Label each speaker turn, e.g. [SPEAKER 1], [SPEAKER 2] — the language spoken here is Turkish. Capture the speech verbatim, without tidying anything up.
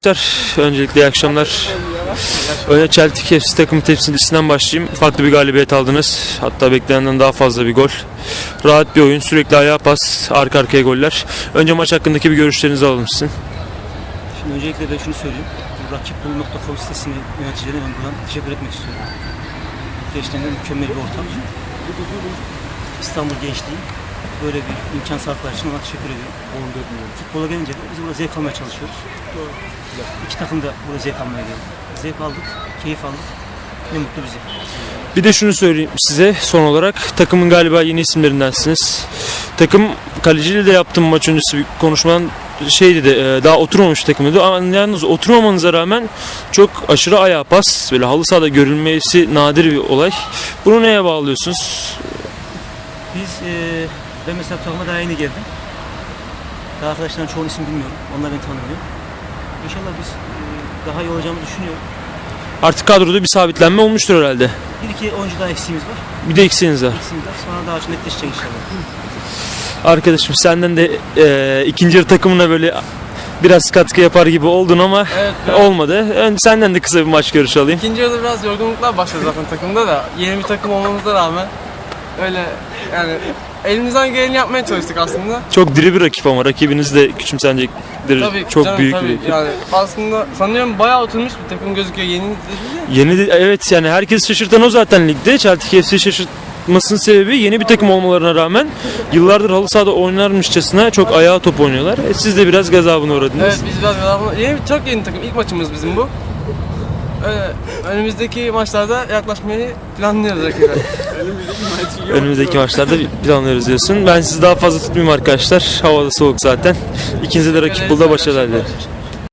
[SPEAKER 1] Öncelikle iyi akşamlar. Önce Celtic F C takımı temsilcisinden başlayayım. Farklı bir galibiyet aldınız. Hatta beklenenden daha fazla bir gol. Rahat bir oyun, sürekli ayağa pas, arka arkaya goller. Önce maç hakkındaki bir görüşlerinizi alalım sizin.
[SPEAKER 2] Şimdi öncelikle ben şunu söyleyeyim. Rakipbul nokta com sitesinin yöneticilerine ben buradan teşekkür etmek istiyorum. Gençlerine mükemmel bir ortam. İstanbul gençliği böyle bir imkan sağladıkları için ona teşekkür ediyorum. Futbola gelince de biz burada zevk almaya çalışıyoruz. İki takım da burada zevk almaya geldi. Zevk aldık, keyif aldık. Ne mutlu bize.
[SPEAKER 1] Bir de şunu söyleyeyim size son olarak. Takımın galiba yeni isimlerindensiniz. Takım kaleciyle de yaptığım maç öncesi bir konuşmadan şeydi de daha oturmamış takım dedi. Ama yalnız oturmamanıza rağmen çok aşırı ayağa pas, böyle halı sahada görülmesi nadir bir olay. Bunu neye bağlıyorsunuz?
[SPEAKER 2] Biz, e, ben mesela takıma daha yeni geldim. Daha arkadaşların çoğunun isim bilmiyorum. Onlar beni tanımıyor. İnşallah biz e, daha iyi olacağımızı düşünüyorum.
[SPEAKER 1] Artık kadroda bir sabitlenme olmuştur herhalde.
[SPEAKER 2] Bir iki oyuncu daha eksiğimiz var.
[SPEAKER 1] Bir de eksiğiniz var.
[SPEAKER 2] Eksiğimiz var. Sonra daha çok netleşecek inşallah.
[SPEAKER 1] Arkadaşım senden de e, ikinci yarı takımına böyle biraz katkı yapar gibi oldun ama
[SPEAKER 3] Evet, evet.
[SPEAKER 1] olmadı. Ön, senden de kısa bir maç görüşü alayım.
[SPEAKER 3] İkinci yarıda biraz yorgunluklar başladı zaten takımda da. Yeni bir takım olmamıza rağmen öyle yani elimizden geleni yapmaya çalıştık aslında.
[SPEAKER 1] Çok diri bir rakip ama rakibiniz de küçümsenecektir.
[SPEAKER 3] Tabii
[SPEAKER 1] Çok
[SPEAKER 3] canım,
[SPEAKER 1] büyük
[SPEAKER 3] tabii.
[SPEAKER 1] bir rakip.
[SPEAKER 3] Yani aslında sanıyorum bayağı oturmuş bir takım gözüküyor yeni dedi de.
[SPEAKER 1] Yeni de, evet yani herkes şaşırtan o zaten ligde. Celtic F C şaşırtmasının sebebi yeni bir takım olmalarına rağmen yıllardır halı sahada oynarmışçasına çok ayağa top oynuyorlar. E, siz de biraz gazabına uğradınız.
[SPEAKER 3] Evet biz biraz galiba yeni bir çok yeni takım. İlk maçımız bizim bu. Öyle, önümüzdeki maçlarda yaklaşmayı planlıyoruz rakibe.
[SPEAKER 1] Önümüzdeki maçlarda planlıyoruz diyorsun. Ben sizi daha fazla tutmayayım arkadaşlar. Havada soğuk zaten. İkinize de rakip bulda başarılar dilerim.